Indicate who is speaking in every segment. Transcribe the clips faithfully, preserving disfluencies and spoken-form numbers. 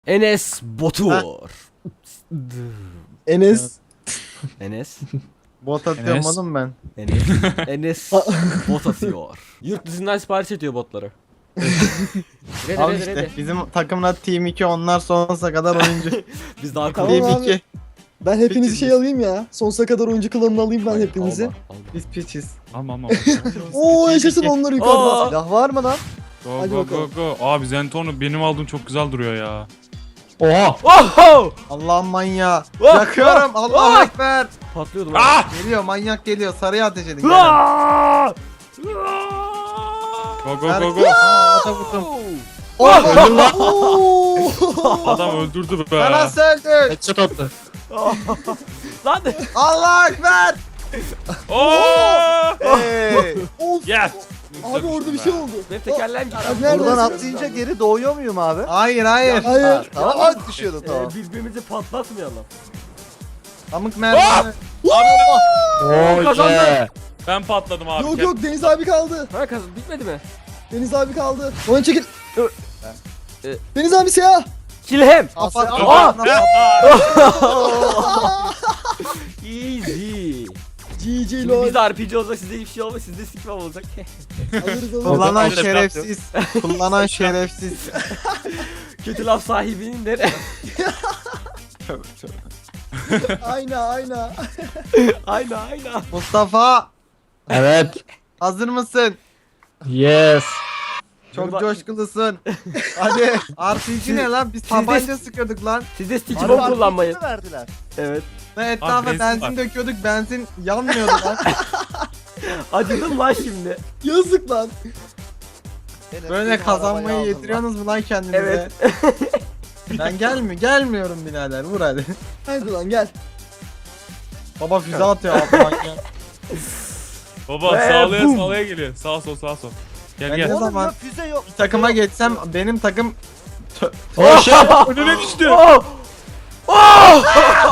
Speaker 1: Enes Batur.
Speaker 2: Enes.
Speaker 1: Enes.
Speaker 3: Bot atıyorum
Speaker 4: Enes.
Speaker 3: oğlum ben.
Speaker 1: Enes. Enes bot atıyor. Yurt dışından sipariş ediyor botları. Rede
Speaker 3: Al
Speaker 1: rede
Speaker 3: işte
Speaker 1: rede.
Speaker 3: bizim takımın adı Team iki, onlar sonsuza kadar oyuncu.
Speaker 1: Biz daha
Speaker 2: Tamam
Speaker 3: Team
Speaker 2: abi.
Speaker 3: iki.
Speaker 2: Ben hepinizi şey alayım ya. Sonsuza kadar oyuncu klanını alayım ben hepinizi.
Speaker 1: Alma, alma.
Speaker 3: Biz piçiz.
Speaker 4: Tamam tamam.
Speaker 2: Oo yaşasın onlar yukarıda.
Speaker 1: Aa!
Speaker 2: Silah var mı lan?
Speaker 4: Go
Speaker 2: Hadi
Speaker 4: go go
Speaker 2: bakalım.
Speaker 4: go. Abi Zentorno benim aldığım çok güzel duruyor ya.
Speaker 3: Oha!
Speaker 1: Oho!
Speaker 3: Allah'ım manyağı.
Speaker 1: Oh,
Speaker 3: Yakıyorum.
Speaker 1: oh,
Speaker 3: Allahu
Speaker 1: oh.
Speaker 3: ekber.
Speaker 1: Patlıyordum.
Speaker 4: Ah!
Speaker 3: Geliyor, manyak geliyor. Sarıya ateş edin. Gelin.
Speaker 1: Aa!
Speaker 4: Go go
Speaker 3: Ver-
Speaker 4: go go.
Speaker 3: Aa, ata vurdum.
Speaker 2: Oh! Oo!
Speaker 4: Adam öldürdü be.
Speaker 3: Ben nasıl öldün?
Speaker 4: Headshot attı.
Speaker 1: Lan
Speaker 3: Allahu ekber.
Speaker 4: Oo!
Speaker 3: Hey.
Speaker 2: Of!
Speaker 4: Yes.
Speaker 2: Abi orada bir şey oldu.
Speaker 1: benim tekerleğim gitti.
Speaker 2: Abi nereden
Speaker 5: Buradan
Speaker 2: atlayınca
Speaker 5: atlayınca geri doğuyor muyum abi?
Speaker 3: Hayır hayır.
Speaker 2: Hayır.
Speaker 5: Ha, tamam
Speaker 1: Ya,
Speaker 5: mı düşüyordu tamam.
Speaker 1: Ee, birbirimizi patlatmayalım.
Speaker 3: Pamuk merdiven.
Speaker 4: Oh
Speaker 1: Kazandı.
Speaker 4: yeah. Ben patladım abi.
Speaker 2: Yok yok Deniz abi kaldı.
Speaker 1: Ha kazan bitmedi mi?
Speaker 2: Deniz abi kaldı. Oyun çekil.
Speaker 1: Ee,
Speaker 2: Deniz abi siyah.
Speaker 1: Kill him.
Speaker 3: Kapat.
Speaker 1: Aa!
Speaker 3: kapat.
Speaker 1: Easy.
Speaker 2: G G
Speaker 1: Şimdi
Speaker 2: lol.
Speaker 1: biz de R P G olacak, sizde hiçbir şey olmaz, sizde sikmem olacak.
Speaker 2: Alırız alırız.
Speaker 3: Kullanan
Speaker 4: Kapat.
Speaker 3: şerefsiz. Kullanan şerefsiz.
Speaker 1: Kötü laf sahibinin de.
Speaker 2: Ayna ayna.
Speaker 1: Aynen aynen.
Speaker 3: Mustafa,
Speaker 5: Evet.
Speaker 3: hazır mısın?
Speaker 5: Yes.
Speaker 3: Çok
Speaker 1: Bak-
Speaker 3: coşkulusun. Hadi. R P G ne lan? Biz
Speaker 1: Siz de-
Speaker 3: tabanca sıkıyorduk lan.
Speaker 1: Sizde stick bomb kullanmayın.
Speaker 5: verdiler.
Speaker 1: Evet.
Speaker 3: Ve etrafa
Speaker 4: benzin
Speaker 3: benzin
Speaker 4: var.
Speaker 3: döküyorduk. Benzin yanmıyordu lan.
Speaker 1: Acıdım lan şimdi.
Speaker 2: Yazık lan.
Speaker 3: Böyle kazanmayı yetiriyorsunuz mu lan kendinize?
Speaker 1: Evet.
Speaker 3: Ben gelmi gelmiyorum birader. Vur hadi.
Speaker 2: Hadi lan gel.
Speaker 3: Baba füze atıyor altından ya.
Speaker 4: Baba
Speaker 1: Ve
Speaker 4: sağlaya
Speaker 1: boom.
Speaker 4: sağlaya geliyor. Sağ sol sağ sol. Gel
Speaker 3: Ben
Speaker 4: gel.
Speaker 3: ne
Speaker 5: Oğlum
Speaker 3: zaman
Speaker 5: yok füze yok.
Speaker 3: bir takıma geçsem benim takım
Speaker 4: Oh şey önüne düştü.
Speaker 1: Oh! Oh!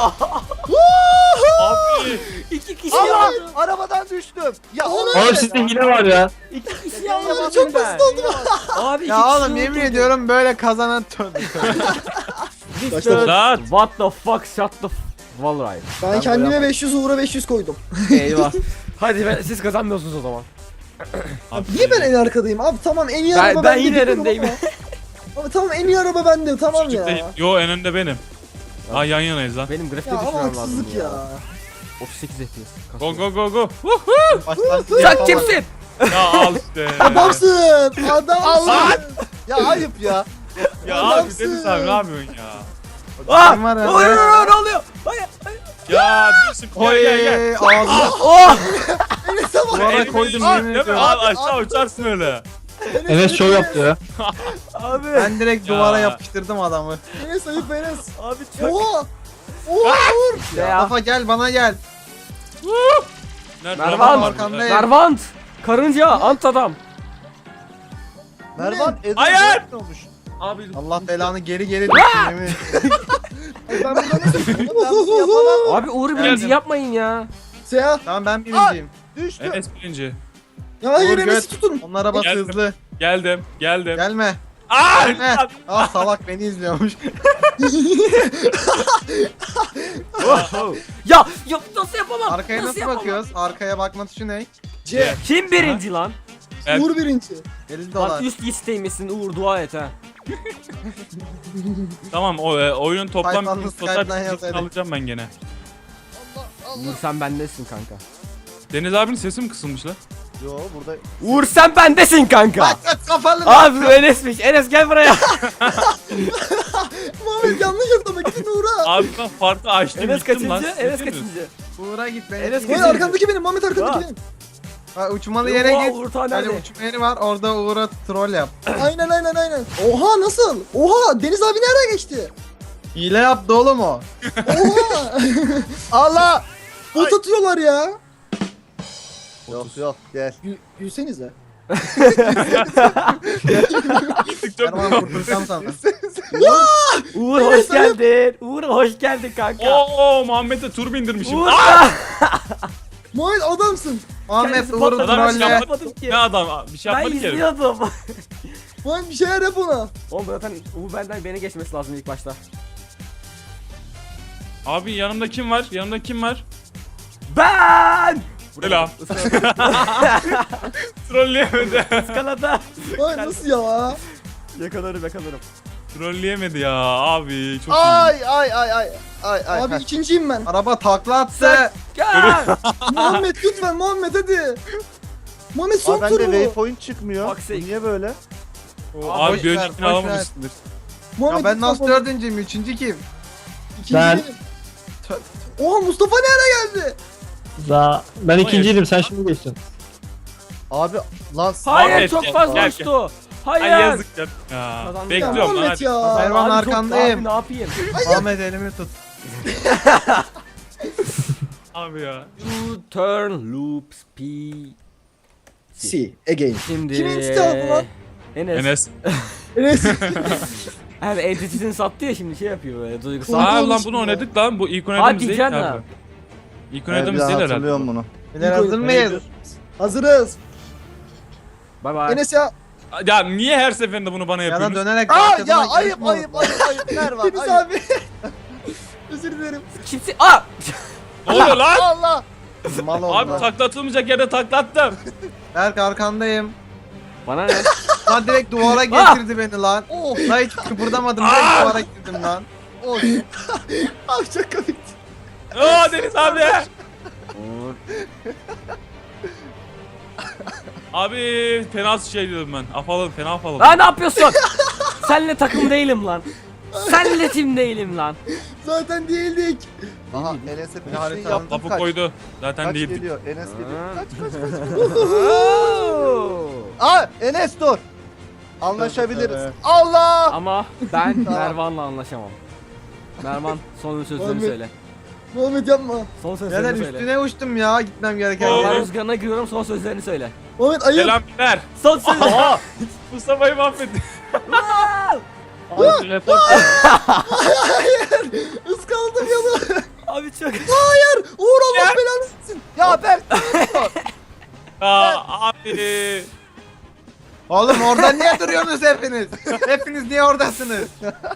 Speaker 4: Abi.
Speaker 1: İki kişi
Speaker 5: Allah!
Speaker 1: aldım.
Speaker 5: Arabadan düştüm. Ya
Speaker 2: Oğlum,
Speaker 5: oğlum
Speaker 4: sizde hile var ya.
Speaker 1: İki kişi
Speaker 5: Ya,
Speaker 1: aldım
Speaker 2: çok
Speaker 1: ben.
Speaker 2: basit oldu.
Speaker 1: Abi iki
Speaker 3: ya
Speaker 1: kişi
Speaker 3: oğlum yemin
Speaker 1: öldürdüm.
Speaker 3: ediyorum böyle kazanan tövbe tövbe.
Speaker 2: Başladı.
Speaker 4: Zat.
Speaker 1: What the fuck shut the f... Vallahi.
Speaker 2: Ben kendime beş yüz Uğur'a beş yüz koydum.
Speaker 1: Eyvah. Hadi ben, siz kazanmıyorsunuz o zaman.
Speaker 2: Niye ben en arkadayım? Abi tamam en iyi
Speaker 1: Ben-
Speaker 2: araba
Speaker 1: ben
Speaker 2: bende.
Speaker 1: yine
Speaker 2: biliyorum
Speaker 1: önündeyim.
Speaker 2: ama- Abi tamam en iyi araba bende tamam
Speaker 4: Çocuk
Speaker 2: ya.
Speaker 4: değil. Yo en önde benim. Ha yan yanayız lan.
Speaker 1: Benim grafikte
Speaker 2: Ya ama
Speaker 1: düşmem lazım
Speaker 2: haksızlık ya.
Speaker 1: otuz sekiz F P S.
Speaker 4: Go go go go.
Speaker 3: Baştan
Speaker 1: Sen kimsin?
Speaker 4: Ya al işte.
Speaker 2: Adamsın. Adamsın.
Speaker 5: ya ayıp ya.
Speaker 4: Ya abi
Speaker 2: Adamsın.
Speaker 4: Deniz abi ne yapıyorsun ya?
Speaker 1: Aa!
Speaker 3: Kim var ya?
Speaker 1: Oluyor, ne oluyor? Hayır.
Speaker 4: Ya dursun gel
Speaker 3: Oy
Speaker 4: gel gel.
Speaker 3: ağzına
Speaker 1: Oh!
Speaker 2: Enes'e bak.
Speaker 3: duvara
Speaker 4: Elimi
Speaker 3: koydum
Speaker 4: al,
Speaker 3: yemin
Speaker 4: değil mi?
Speaker 3: ediyorum.
Speaker 4: Al aşağı uçarsın öyle.
Speaker 5: Enes şov yaptı ya.
Speaker 1: Abi.
Speaker 3: Ben direkt
Speaker 4: Ya.
Speaker 3: duvara yapıştırdım adamı.
Speaker 2: Enes ayıp Enes.
Speaker 1: Abi çok.
Speaker 2: Oha. Oha Uğur.
Speaker 1: Ne ya?
Speaker 3: Mustafa gel bana gel.
Speaker 4: Nerede?
Speaker 1: Mervan.
Speaker 4: Adam var
Speaker 3: Arkandayım.
Speaker 4: burada.
Speaker 1: Mervant. Karınca. Ant adam.
Speaker 5: Mervan Edo
Speaker 4: Hayır!
Speaker 5: ne olmuş?
Speaker 4: Abi
Speaker 3: Allah belanı geri geri düştüm yemin ediyorum.
Speaker 2: Ay, ben burada nasıl?
Speaker 5: Ben bunu yapamam.
Speaker 1: Abi Uğur'u birinci
Speaker 4: Geldim.
Speaker 1: yapmayın ya.
Speaker 2: Siyah.
Speaker 3: Tamam ben birinciyim.
Speaker 5: Düştüm.
Speaker 4: Enes birinci.
Speaker 2: Ya hayır
Speaker 3: Uğur
Speaker 2: Enes'i
Speaker 3: göt.
Speaker 2: tutun.
Speaker 3: Onun arabası
Speaker 4: Geldim.
Speaker 3: hızlı.
Speaker 4: Geldim geldim.
Speaker 3: Gelme.
Speaker 4: Aa!
Speaker 3: Gelme. Ah salak beni izliyormuş.
Speaker 1: Ya, ya nasıl yapamam?
Speaker 3: Arkaya nasıl
Speaker 1: yapamam?
Speaker 3: bakıyoruz? Arkaya bakma tuşu ne?
Speaker 2: C.
Speaker 1: Kim birinci lan?
Speaker 4: Ben-
Speaker 2: Uğur birinci.
Speaker 3: elli
Speaker 1: Lan
Speaker 3: dolar.
Speaker 1: üst listeymişsin Uğur, dua et ha.
Speaker 4: Tamam o e, oyunun toplam
Speaker 3: Python'da
Speaker 4: total
Speaker 3: Skype'dan
Speaker 4: birincisini
Speaker 3: yazaydı.
Speaker 4: alacağım ben gene.
Speaker 1: Uğur sen bendesin kanka.
Speaker 4: Deniz abinin sesi mi kısılmış lan?
Speaker 5: Yo burada
Speaker 1: Uğur sen bendesin kanka.
Speaker 3: Kaç kaç kafalı lan.
Speaker 1: Abi bu Enes'miş. Enes gel buraya.
Speaker 2: Muhammed yanlış atlamak gidin Uğur'a.
Speaker 4: Abi ben farkı açtım
Speaker 1: Enes
Speaker 4: gittim lan.
Speaker 1: kaçıncı?
Speaker 4: Siz
Speaker 1: Enes
Speaker 4: değil misiniz?
Speaker 1: kaçıncı?
Speaker 3: Uğur'a git beni.
Speaker 1: Enes
Speaker 3: Enes
Speaker 2: Hayır
Speaker 1: kaçıncı?
Speaker 2: arkandaki benim Muhammed arkandaki
Speaker 1: Ya.
Speaker 2: benim.
Speaker 3: Ha, uçmalı yere
Speaker 1: Oha,
Speaker 3: git.
Speaker 1: Uğur ta
Speaker 3: Hani
Speaker 1: nerede?
Speaker 3: uçma yeri var orada Uğur'a troll yap.
Speaker 2: Aynen aynen aynen. Oha nasıl? Oha Deniz abi nereden geçti?
Speaker 3: Hile yaptı oğlum o.
Speaker 2: Oha.
Speaker 5: Allah!
Speaker 2: Bot atıyorlar ya.
Speaker 5: Yok yok gel.
Speaker 2: Gül, gülsenize.
Speaker 4: Gittik çok.
Speaker 3: Erman kurtulacağım sana.
Speaker 1: Uğur hoş geldin. Uğur hoş geldin kanka.
Speaker 4: Oo Muhammed'e tur bindirmişim.
Speaker 1: Uğur.
Speaker 4: Aa!
Speaker 2: Muhammed adamsın.
Speaker 3: Ahmet
Speaker 1: Kendisi
Speaker 3: Uğur'u
Speaker 1: patladı,
Speaker 4: Adam
Speaker 1: ben
Speaker 4: şey
Speaker 3: trolle.
Speaker 4: yapmadı.
Speaker 1: yapmadım ki.
Speaker 4: Ne adam? Bir şey
Speaker 1: Ben
Speaker 4: yapmadı ki.
Speaker 1: izliyordum.
Speaker 2: Muhammed bir şeyler yap ona.
Speaker 1: Oğlum zaten bu benden beni geçmesi lazım ilk başta.
Speaker 4: Abi yanımda kim var? Yanımda kim var?
Speaker 1: Ben!
Speaker 4: Selam. Trolleyemedi.
Speaker 1: Iskalada.
Speaker 2: Muhammed nasıl ya?
Speaker 1: Yakalarım yakalarım.
Speaker 4: Trolleyemedi ya abi. Çok iyi.
Speaker 5: Ay ay ay ay. Ay ay.
Speaker 2: Abi
Speaker 5: Heh.
Speaker 2: ikinciyim ben.
Speaker 3: Araba takla attı.
Speaker 1: Gel!
Speaker 2: Muhammed lütfen Muhammed hadi. Muhammed son
Speaker 5: Abi bende
Speaker 2: turu.
Speaker 5: waypoint çıkmıyor.
Speaker 1: Bak
Speaker 5: Bu
Speaker 1: sen-
Speaker 5: niye böyle?
Speaker 4: Abi
Speaker 3: Boş
Speaker 4: bir
Speaker 3: ver,
Speaker 4: öncekini
Speaker 3: boş
Speaker 4: alamamışsındır.
Speaker 2: Muhammed
Speaker 3: Ya ben
Speaker 2: lütfen
Speaker 3: nasıl
Speaker 2: Muhammed.
Speaker 3: dördüncüyüm? Üçüncü kim?
Speaker 2: İkinciyim. Oha Mustafa ne ara geldi?
Speaker 6: Za ben ikinciydim, sen şimdi geçtin.
Speaker 5: Abi lan
Speaker 1: Hayır
Speaker 4: Ahmet,
Speaker 1: çok
Speaker 4: gel,
Speaker 1: fazla
Speaker 4: gel,
Speaker 1: uçtu. Hayır.
Speaker 4: Ay yazık ya. Ya.
Speaker 1: Kazandım.
Speaker 4: Bekliyorum lan
Speaker 2: Muhammed
Speaker 4: hadi.
Speaker 2: ya.
Speaker 3: Mervan
Speaker 1: Abi çok-
Speaker 3: arkandayım.
Speaker 1: Abi ne yapayım?
Speaker 3: Ahmet elimi tut.
Speaker 4: Abi ya.
Speaker 1: You turn loop speed.
Speaker 2: See again.
Speaker 1: Şimdi.
Speaker 2: Kimin site aldı lan?
Speaker 1: Enes.
Speaker 4: Enes.
Speaker 2: Enes.
Speaker 1: Abi entitesini sattı ya şimdi şey yapıyor böyle duygusal.
Speaker 2: Aa,
Speaker 4: Aa lan
Speaker 2: olmuş
Speaker 4: bunu
Speaker 2: ya.
Speaker 4: oynadık lan. Bu ilk
Speaker 1: Hadi
Speaker 4: oynadığımız değil
Speaker 1: canım.
Speaker 4: abi. İlk
Speaker 5: Evet,
Speaker 4: oynadığımız
Speaker 5: bir
Speaker 4: değil
Speaker 5: daha
Speaker 4: herhalde.
Speaker 5: hatırlıyorum bunu.
Speaker 3: Beyler hazır mıyız?
Speaker 2: Hazırız.
Speaker 1: Bye bye.
Speaker 2: Enes ya.
Speaker 4: Ya niye her seferinde bunu bana
Speaker 3: Yana
Speaker 4: yapıyorsunuz?
Speaker 3: dönerek
Speaker 5: Aa
Speaker 3: arkadan
Speaker 5: ya
Speaker 3: yarışma
Speaker 5: ayıp
Speaker 3: oldu.
Speaker 5: ayıp ayıp ayıp. Mervan
Speaker 2: Deniz
Speaker 5: ayıp.
Speaker 2: abi. Özür dilerim.
Speaker 1: Kimsin? Aa!
Speaker 4: Ne oluyor lan?
Speaker 5: Allah.
Speaker 3: Mal oldu
Speaker 4: Abi
Speaker 3: lan.
Speaker 4: taklatılmayacak yerde taklattım.
Speaker 3: Berk arkandayım.
Speaker 1: Bana ne?
Speaker 3: Lan direkt duvara getirdi beni lan.
Speaker 5: Oh.
Speaker 3: Lan hiç kıpırdamadım, direkt duvara girdim lan.
Speaker 5: Oh.
Speaker 2: Abi çok komik.
Speaker 4: Aa Deniz abi. Abi fena şey dedim ben. Afalım fena afalım.
Speaker 1: Lan ne yapıyorsun? Senle takım değilim lan. Senle tim değilim lan.
Speaker 2: Zaten değildik.
Speaker 5: Aha Enes'e bir şey
Speaker 3: harita
Speaker 5: yaptım
Speaker 4: Lafı
Speaker 5: kaç.
Speaker 4: koydu. Zaten
Speaker 5: Kaç
Speaker 4: değildik.
Speaker 5: geliyor Enes geliyor.
Speaker 1: Ha.
Speaker 5: Kaç kaç kaç.
Speaker 1: Oo.
Speaker 5: Aa Enes dur. Anlaşabiliriz. Allah.
Speaker 1: Ama ben Mervan'la anlaşamam. Mervan son sözlerini
Speaker 2: Muhammed.
Speaker 1: söyle.
Speaker 2: Muhammed yapma.
Speaker 1: Son
Speaker 3: Neden
Speaker 1: sözlerini söyle.
Speaker 3: üstüne uçtum ya gitmem gereken
Speaker 4: Oo.
Speaker 1: Ben
Speaker 3: yere.
Speaker 1: rüzgarına giriyorum son sözlerini söyle.
Speaker 2: Muhammed ayıp.
Speaker 4: Selam ver.
Speaker 1: Son sözlerini.
Speaker 4: Aa Mustafa'yı mahvetti.
Speaker 6: Abi report
Speaker 2: Iskaladım yolu.
Speaker 1: Abi çok.
Speaker 2: Hayır. Uğur Allah belanı versin.
Speaker 5: Ya Berk.
Speaker 4: Aa abi.
Speaker 3: Oğlum orada niye duruyorsunuz hepiniz? Hepiniz niye oradasınız?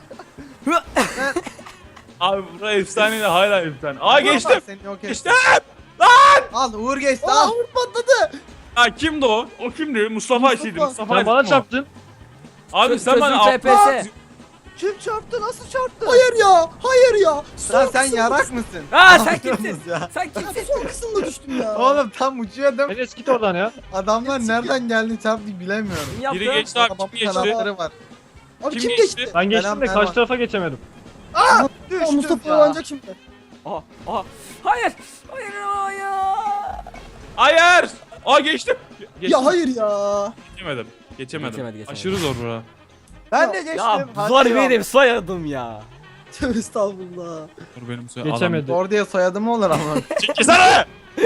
Speaker 4: Abi buraya efsane de hala efsane. Aa geçtim.
Speaker 3: Seni yok ettim.
Speaker 4: Geçtim.
Speaker 3: Al Uğur geçti
Speaker 2: Aa
Speaker 3: al.
Speaker 2: Uğur patladı.
Speaker 4: Ha kimdi o? O kimdi? Mustafa Ayşe'ydi.
Speaker 2: Mustafa.
Speaker 4: Mustafa
Speaker 6: sen bana
Speaker 4: Ayşe mi o?
Speaker 6: çarptın.
Speaker 4: Abi sen bana
Speaker 1: Sözün T P S.
Speaker 5: Kim çarptı? Nasıl çarptı?
Speaker 2: Hayır ya. Hayır ya.
Speaker 3: Lan
Speaker 2: Son
Speaker 3: sen
Speaker 2: kısımda
Speaker 3: yarak
Speaker 2: düştüm.
Speaker 3: mısın?
Speaker 1: Aa sen kimsin? Sen kimsin?
Speaker 2: Son kısımda düştüm ya.
Speaker 3: Oğlum tam uçuyordum.
Speaker 6: Enes git oradan ya.
Speaker 3: Adamlar nereden geldi çarptı bilemiyorum.
Speaker 1: Kim yaptı?
Speaker 4: Biri geçti abi.
Speaker 3: Babamın
Speaker 4: Kim geçti?
Speaker 3: kanatları var.
Speaker 2: Abi
Speaker 4: Kim
Speaker 2: kim,
Speaker 4: geçti?
Speaker 2: geçti?
Speaker 6: Ben geçtim
Speaker 3: Selam,
Speaker 6: de
Speaker 3: merhaba.
Speaker 6: karşı tarafa geçemedim.
Speaker 2: Aa,
Speaker 5: Düştüm
Speaker 2: Mustafa
Speaker 5: ya.
Speaker 2: oynayacak şimdi.
Speaker 1: Aha, aha. Hayır. Hayır. Hayır.
Speaker 4: Hayır. Aa geçtim. Geçtim.
Speaker 2: Ya hayır ya.
Speaker 4: Geçemedim. Geçemedim.
Speaker 1: Geçemedi, geçemedi.
Speaker 4: Aşırı zor bura.
Speaker 5: Ben de geçtim.
Speaker 1: Ya
Speaker 5: Hadi
Speaker 1: zor
Speaker 5: ya.
Speaker 1: benim soyadım ya.
Speaker 2: Tövbe estağfurullah.
Speaker 4: Dur benim soyadım.
Speaker 6: Geçemedi.
Speaker 3: Zor diye soyadı mı olur ama?
Speaker 4: Çekilsene.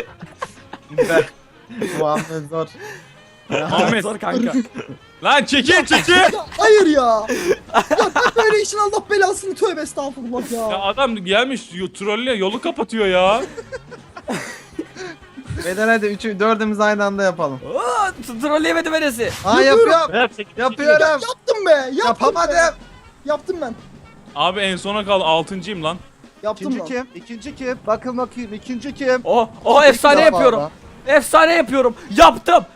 Speaker 3: Muhammed zor.
Speaker 4: Ahmet.
Speaker 1: Zor kanka.
Speaker 4: Lan çekil çekil.
Speaker 2: Ya hayır ya. Ya ben böyle işin Allah belasını tövbe estağfurullah
Speaker 4: Ya
Speaker 2: ya.
Speaker 4: adam gelmiş yo- trolle yolu kapatıyor ya.
Speaker 3: Beyler hadi üçü dördümüz aynı anda yapalım.
Speaker 1: Aa, trolleyemedim Enes'i.
Speaker 3: Aa yapıyorum.
Speaker 6: Ver, çek-
Speaker 3: Yapıyorum.
Speaker 2: Yaptım be. Yaptım
Speaker 3: Yapamadım.
Speaker 2: Be. Yaptım ben.
Speaker 4: Abi en sona kal altıncıyım lan.
Speaker 2: Yaptım
Speaker 5: İkinci
Speaker 2: lan.
Speaker 5: kim? İkinci kim? Bakın bakayım ikinci kim?
Speaker 1: Oh, oh efsane
Speaker 5: İlk defa
Speaker 1: yapıyorum.
Speaker 5: da.
Speaker 1: Efsane yapıyorum. Yaptım.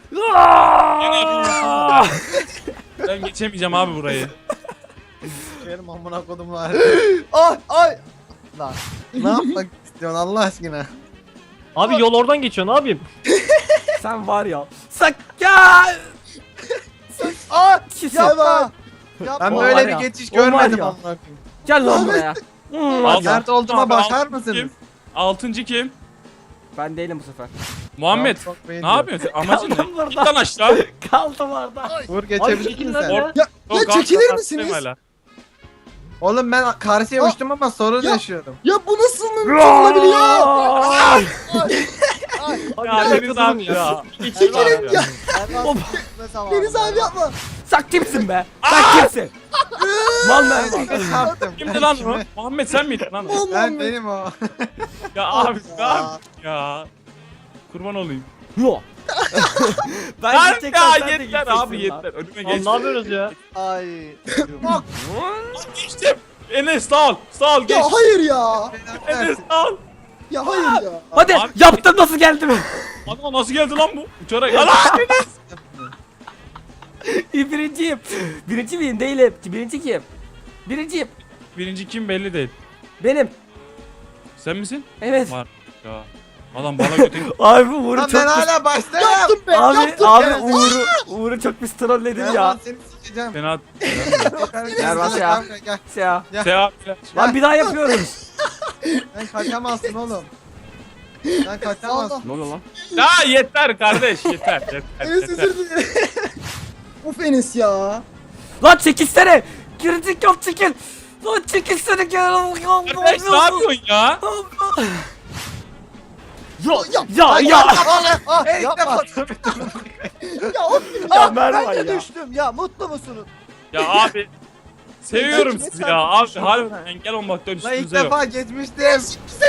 Speaker 1: Aa!
Speaker 4: Ben geçemeyeceğim abi burayı.
Speaker 3: Benim amına kodum var.
Speaker 5: Ay ay. Lan.
Speaker 3: Ne yapmak istiyorsun Allah aşkına?
Speaker 6: Abi yol oradan geçiyor, ne yapayım?
Speaker 1: Sen var ya. Sak ya.
Speaker 5: Ay.
Speaker 1: Kimsin?
Speaker 5: Yapma. Yapma.
Speaker 3: Ben
Speaker 1: O
Speaker 3: böyle
Speaker 1: var
Speaker 3: bir
Speaker 1: ya,
Speaker 3: geçiş
Speaker 1: o var
Speaker 3: görmedim
Speaker 1: ya.
Speaker 3: amına koyayım.
Speaker 1: Gel lan buraya. Hmm,
Speaker 4: Al.
Speaker 1: hadi.
Speaker 3: Sert olduğuma
Speaker 4: Abi,
Speaker 3: bakar
Speaker 4: altıncı
Speaker 3: mısınız?
Speaker 4: kim? Altıncı kim?
Speaker 1: Ben değilim bu sefer.
Speaker 4: Muhammed.
Speaker 3: Tamam, çok
Speaker 4: Ne
Speaker 3: beğeniyorum.
Speaker 4: yapıyorsun? Amacın
Speaker 1: Kaldım
Speaker 4: ne?
Speaker 1: burada.
Speaker 4: Git lan aşağı.
Speaker 1: Kaldım orada.
Speaker 3: Uğur
Speaker 6: Abi
Speaker 3: geçebilir
Speaker 6: çekil
Speaker 3: misin
Speaker 6: lan
Speaker 3: sen?
Speaker 6: ya.
Speaker 2: Ya, ya
Speaker 4: Yok,
Speaker 2: çekilir
Speaker 4: arkadaşlar,
Speaker 2: misiniz?
Speaker 4: hala.
Speaker 3: Oğlum ben karşıya
Speaker 2: Ya.
Speaker 3: uçtum ama sorun
Speaker 2: Ya.
Speaker 3: yaşıyorum.
Speaker 2: Ya bu nasıl mümkün olabiliyor?
Speaker 1: Aa!
Speaker 4: Ya Deniz abi ya.
Speaker 2: Çekilin ya.
Speaker 5: Erman ne zaman?
Speaker 2: Deniz abi yapma.
Speaker 1: Sen kimsin be? Sen kimsin? Mal
Speaker 3: Ben
Speaker 1: Mervan.
Speaker 3: kime çarptım?
Speaker 4: Kimdi
Speaker 3: Ben
Speaker 4: lan o?
Speaker 3: kime-
Speaker 4: Muhammed sen miydin lan o?
Speaker 2: Mal
Speaker 3: Ben
Speaker 2: Muhammed.
Speaker 3: benim o.
Speaker 4: Ya abi ne yapıyorsun ya? Kurban olayım.
Speaker 1: Yo. Ben
Speaker 4: Lan
Speaker 1: gideceksen
Speaker 4: ya
Speaker 1: sen de
Speaker 4: yeter
Speaker 1: gideceksin
Speaker 4: abi
Speaker 1: lan.
Speaker 4: yeter. Önüme
Speaker 6: Lan
Speaker 4: geç.
Speaker 6: ne yapıyoruz ya?
Speaker 5: Ay.
Speaker 4: Geçtim. Enes sağ ol. Sağ ol geç.
Speaker 2: Ya hayır ya.
Speaker 4: Enes sağ ol.
Speaker 2: Ya hayır ya.
Speaker 1: Hadi
Speaker 4: Abi-
Speaker 1: yaptım, nasıl geldim?
Speaker 4: Ana nasıl geldi lan bu? Uçarak. Ana Enes.
Speaker 1: Birinciyim. Birinci miyim? Değilim. Birinci kim? Birinciyim.
Speaker 4: Birinci kim belli değil.
Speaker 1: Benim.
Speaker 4: Sen misin?
Speaker 1: Evet.
Speaker 4: Var. Ya. Adam bana götür.
Speaker 1: Abi Uğur'u
Speaker 3: Lan
Speaker 1: çok
Speaker 3: ben
Speaker 1: pis...
Speaker 3: hala baştayım.
Speaker 2: Yaptım be.
Speaker 1: Abi,
Speaker 2: yaptım
Speaker 1: abi
Speaker 2: be.
Speaker 1: Uğur'u, Uğur'u çok pis trolledin
Speaker 3: Gel
Speaker 1: ya.
Speaker 3: lan seni sikeceğim.
Speaker 4: Fena.
Speaker 3: Gel
Speaker 1: bas ya.
Speaker 3: Gel.
Speaker 1: Ya.
Speaker 4: Seha.
Speaker 1: Lan bir daha yapıyoruz.
Speaker 3: Sen kaçamazsın oğlum. Sen kaçamazsın.
Speaker 2: Allah.
Speaker 1: Ne oluyor lan?
Speaker 4: Ya yeter kardeş yeter yeter
Speaker 2: Enes
Speaker 4: yeter.
Speaker 2: özür dilerim. Of Enes ya.
Speaker 1: Lan çekilsene. Girecek yok, çekil. Lan çekilsene gel.
Speaker 4: Kardeş ne yapıyorsun ya?
Speaker 1: Ya ya ya.
Speaker 5: Ah
Speaker 3: Hey,
Speaker 5: yapma.
Speaker 2: Ya of
Speaker 1: Ya
Speaker 2: ya.
Speaker 1: Mervan
Speaker 5: Ben de
Speaker 1: ya.
Speaker 5: düştüm ya. Mutlu musunuz?
Speaker 4: Ya abi. Seviyorum
Speaker 5: Peki,
Speaker 4: sizi
Speaker 5: sen
Speaker 4: ya abi
Speaker 5: düşün.
Speaker 4: harbiden engel olmaktan
Speaker 3: Lan ilk
Speaker 4: üstünüze yok.
Speaker 3: defa geçmiştim.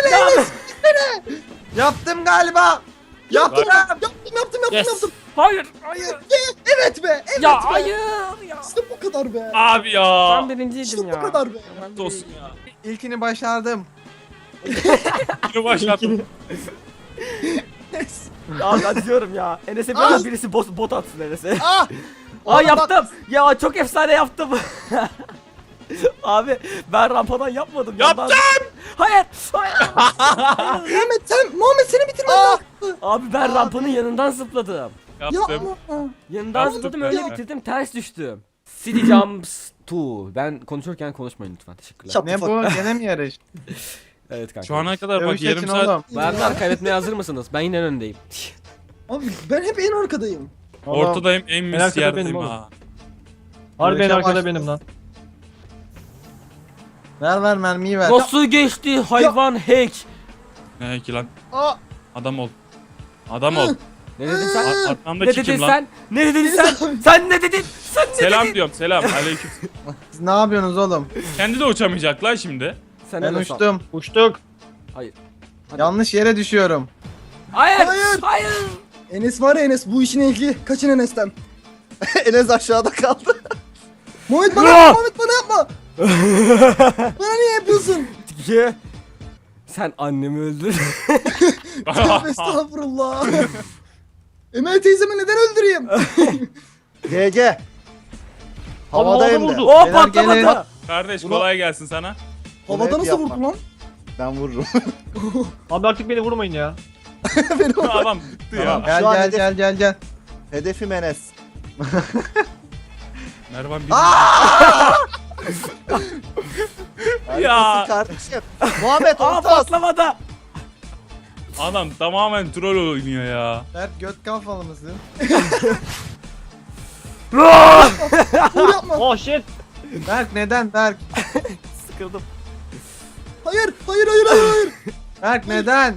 Speaker 3: Yaptım galiba. Yaptım.
Speaker 2: Yaptım yaptım yaptım
Speaker 6: Yes.
Speaker 2: yaptım.
Speaker 1: Hayır. Hayır.
Speaker 2: Evet be. Evet
Speaker 1: Ya
Speaker 2: be.
Speaker 1: hayır ya.
Speaker 2: İşte bu kadar be.
Speaker 4: Abi ya.
Speaker 1: Ben birinciydim
Speaker 2: İşte
Speaker 1: ya.
Speaker 2: bu kadar be.
Speaker 4: Lanet olsun ya.
Speaker 3: İlkini başardım.
Speaker 4: Yine başladım.
Speaker 1: Ya ben diyorum ya. Enes'e biraz birisi bot, bot atsın Enes'e.
Speaker 2: Ah.
Speaker 1: Aa yaptım. Ya çok efsane yaptım. Abi ben rampadan yapmadım.
Speaker 4: Yaptım.
Speaker 1: Yandan- Hayır. Hayır.
Speaker 2: Muhammed sen Muhammed seni bitirmen lazım.
Speaker 1: Abi ben rampanın yanından zıpladım.
Speaker 4: Yaptım.
Speaker 2: Yapma.
Speaker 1: Yanından
Speaker 4: Yaptım.
Speaker 1: zıpladım, öyle
Speaker 4: Ya.
Speaker 1: bitirdim, ters düştüm. City Jumps iki. Ben konuşurken konuşmayın lütfen, teşekkürler.
Speaker 2: Şap-
Speaker 3: Ne bu? Gene mi yarış?
Speaker 1: Evet kanka.
Speaker 4: Şu ana kadar bak
Speaker 3: Dövüş
Speaker 4: yarım
Speaker 3: için
Speaker 4: saat.
Speaker 3: oğlum.
Speaker 1: Berber kaybetmeye hazır mısınız? Ben yine en öndeyim.
Speaker 2: Abi ben hep en arkadayım.
Speaker 3: Oğlum,
Speaker 4: Ortadayım en
Speaker 6: En
Speaker 4: mis
Speaker 6: arkada
Speaker 4: yerdeyim
Speaker 6: benim oğlum.
Speaker 4: ha.
Speaker 6: Harbi en
Speaker 3: Yarışa
Speaker 6: arkada
Speaker 3: başladı.
Speaker 6: benim lan.
Speaker 3: Ver ver mermiyi ver.
Speaker 1: Nasıl geçti hayvan hack?
Speaker 4: Ne ki lan?
Speaker 2: Aa.
Speaker 4: Adam ol. Adam ol.
Speaker 1: Ne dedin sen?
Speaker 4: Ar-
Speaker 1: Ne
Speaker 4: Arkamdaki
Speaker 1: dedin
Speaker 4: kim lan?
Speaker 1: sen? Ne dedin sen? Sen ne dedin? Sen ne
Speaker 4: Selam
Speaker 1: dedin?
Speaker 4: diyorum selam. Aleyküm.
Speaker 3: Siz ne yapıyorsunuz oğlum?
Speaker 4: Kendi de uçamayacak lan şimdi.
Speaker 1: Sen
Speaker 3: Ben
Speaker 1: Enes al.
Speaker 3: uçtum.
Speaker 6: Uçtuk.
Speaker 1: Hadi.
Speaker 3: Yanlış yere düşüyorum.
Speaker 1: Hayır.
Speaker 2: Hayır.
Speaker 1: Hayır.
Speaker 2: Enes var ya Enes bu işin ehli. Kaçın Enes'ten.
Speaker 5: Enes aşağıda kaldı.
Speaker 2: Muhammed bana
Speaker 1: Ya.
Speaker 2: yapma, Muhammed bana yapma. Bana niye yapıyorsun?
Speaker 1: Ye. Sen annemi öldür.
Speaker 2: Tövbe estağfurullah. Emel teyzemi neden öldüreyim?
Speaker 5: G G.
Speaker 6: Abi
Speaker 5: Havadayım
Speaker 6: havada
Speaker 5: da.
Speaker 6: vurdu.
Speaker 1: O
Speaker 3: Beyler
Speaker 1: patlamadı.
Speaker 3: gelin.
Speaker 4: Kardeş
Speaker 5: Bunu-
Speaker 4: kolay gelsin sana.
Speaker 2: Havada
Speaker 5: hep
Speaker 2: nasıl
Speaker 5: yapma.
Speaker 2: vurdu lan?
Speaker 5: Ben vururum.
Speaker 6: Abi artık beni vurmayın ya.
Speaker 4: Adam bıktı ya.
Speaker 5: Tamam.
Speaker 3: Gel
Speaker 5: Şu an
Speaker 3: gel
Speaker 5: hedef-
Speaker 3: gel gel gel.
Speaker 5: Hedefim Enes.
Speaker 4: Mervan bir Ya.
Speaker 5: Harikasın kardeşim. Muhammed
Speaker 1: Aa
Speaker 5: orta as.
Speaker 1: patlamadı.
Speaker 4: adam tamamen troll oynuyor ya.
Speaker 3: Berk göt kafalı mısın?
Speaker 2: Vur yapma.
Speaker 6: Oh shit.
Speaker 3: Berk neden Berk?
Speaker 1: Sıkıldım.
Speaker 2: Hayır, hayır, hayır, hayır, hayır.
Speaker 3: Berk neden?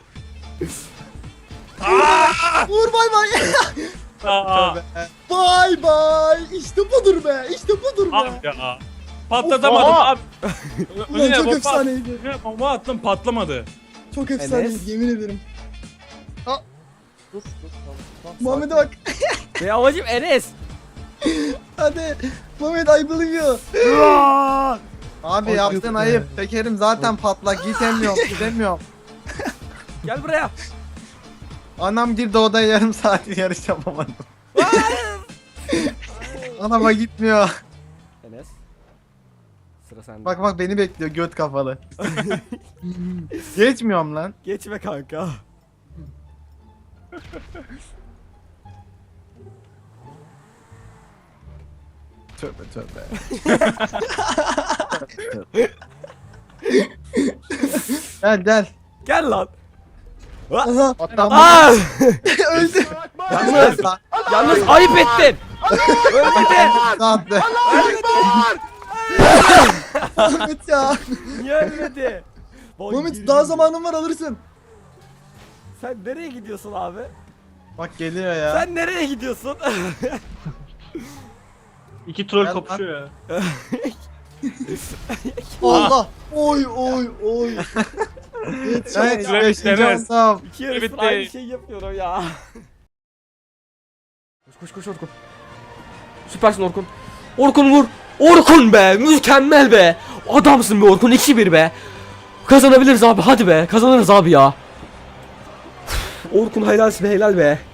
Speaker 2: Vur bay bay.
Speaker 4: Aa,
Speaker 2: Bay bay. İşte budur be. İşte budur be.
Speaker 4: abi ya. Patlatamadım
Speaker 6: Oha.
Speaker 4: abi.
Speaker 2: Ulan
Speaker 4: Önüne
Speaker 2: çok
Speaker 4: bomba,
Speaker 2: efsaneydi.
Speaker 4: önüne bomba attım patlamadı.
Speaker 2: Çok efsaneydi
Speaker 1: Enes.
Speaker 2: yemin ederim.
Speaker 5: Sus sus. Tamam,
Speaker 2: Muhammed'e bak.
Speaker 1: Ve amacım Enes.
Speaker 2: Hadi. Muhammed I believe you.
Speaker 3: Abi
Speaker 6: Ay,
Speaker 3: yaptığın
Speaker 6: yok
Speaker 3: ayıp.
Speaker 6: be.
Speaker 3: Tekerim zaten patlak. Gitemiyorum gidemiyorum.
Speaker 1: Gel buraya.
Speaker 3: Anam girdi odaya yarım saat yarış yapamadım. Anama gitmiyor.
Speaker 1: Enes. Sıra sende.
Speaker 3: Bak bak beni bekliyor göt kafalı. Geçmiyorum lan.
Speaker 1: Geçme kanka.
Speaker 3: Tövbe tövbe. Gel gel.
Speaker 1: Gel lan.
Speaker 2: Aha.
Speaker 3: Atlam.
Speaker 1: Aa!
Speaker 2: Öldü.
Speaker 1: Yalnız, yalnız ayıp ettin. Ölmedi.
Speaker 3: Attı.
Speaker 2: Muhammed ya.
Speaker 1: Niye ölmedi? Vay
Speaker 2: Muhammed
Speaker 1: yürü.
Speaker 2: daha zamanın var alırsın.
Speaker 1: Sen nereye gidiyorsun abi?
Speaker 3: Bak geliyor ya.
Speaker 1: Sen nereye gidiyorsun?
Speaker 6: İki troll
Speaker 3: Gel
Speaker 6: kapışıyor ya.
Speaker 2: Allah. Oy oy oy.
Speaker 3: Ben
Speaker 4: Süre
Speaker 3: beşinci
Speaker 4: Enes.
Speaker 3: oldum.
Speaker 1: İki yarısın
Speaker 4: Evet,
Speaker 1: aynı
Speaker 4: evet.
Speaker 1: şeyi yapıyorum ya. Koş koş koş Orkun. Süpersin Orkun. Orkun vur. Orkun be, mükemmel be. Adamsın be Orkun, iki bir be. Kazanabiliriz abi, hadi be, kazanırız abi ya. Orkun helalsin, helal be.